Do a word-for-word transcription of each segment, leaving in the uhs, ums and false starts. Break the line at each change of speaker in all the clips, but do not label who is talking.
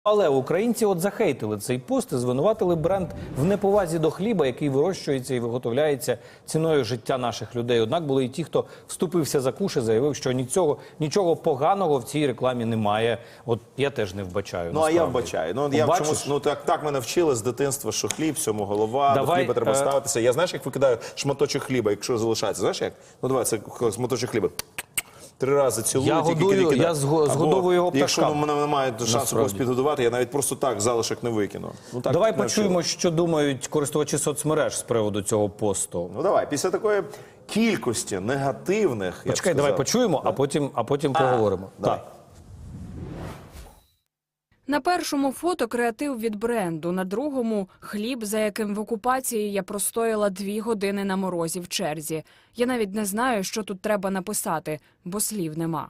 Але українці от захейтили цей пост і звинуватили бренд в неповазі до хліба, який вирощується і виготовляється ціною життя наших людей. Однак були і ті, хто вступився за куш і заявив, що нічого, нічого поганого в цій рекламі немає. От я теж не вбачаю.
Ну,
насправді.
а я вбачаю. Ну, я чомусь, ну так, так мене вчили з дитинства, що хліб, всьому голова,
Давай,
до хліба треба
е...
ставитися. Я знаєш, як викидаю шматочок хліба, якщо залишається? Знаєш як? Ну, давай, це шматочок хліба. Три рази цілую,
я
тільки
годую,
кидаю.
я згодовую його пташкам.
Якщо в мене немає шансу когось підгодувати, я навіть просто так залишок не викину. Ну, так,
давай
не
почуємо,
вчили.
що думають користувачі соцмереж з приводу цього посту.
Ну давай, після такої кількості негативних...
Почекай, давай почуємо, а потім, а потім а, поговоримо.
Давай.
Так.
На першому фото креатив від бренду, на другому – хліб, за яким в окупації я простояла дві години на морозі в черзі. Я навіть не знаю, що тут треба написати, бо слів нема.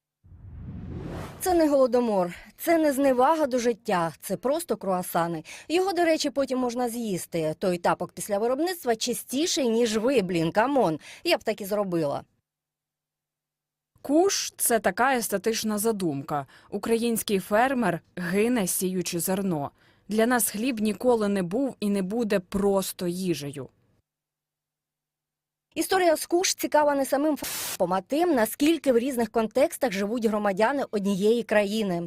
Це не голодомор, це не зневага до життя, це просто круасани. Його, до речі, потім можна з'їсти. Той тапок після виробництва чистіший, ніж ви, блін, камон. Я б так і зробила.
Куш – це така естетична задумка. Український фермер гине, сіючи зерно. Для нас хліб ніколи не був і не буде просто їжею.
Історія з Куш цікава не самим фактом, а тим, наскільки в різних контекстах живуть громадяни однієї країни.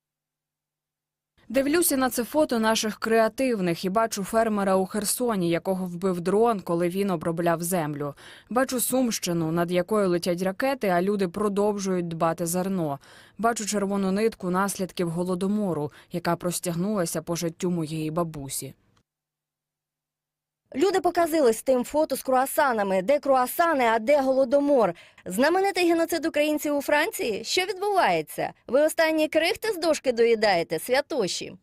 Дивлюся на це фото наших креативних і бачу фермера у Херсоні, якого вбив дрон, коли він обробляв землю. Бачу Сумщину, над якою летять ракети, а люди продовжують дбати зерно. Бачу червону нитку наслідків голодомору, яка простягнулася по життю моєї бабусі.
Люди показились з тим фото з круасанами. Де круасани, а де голодомор? Знаменитий геноцид українців у Франції? Що відбувається? Ви останні крихти з дошки доїдаєте, святоші?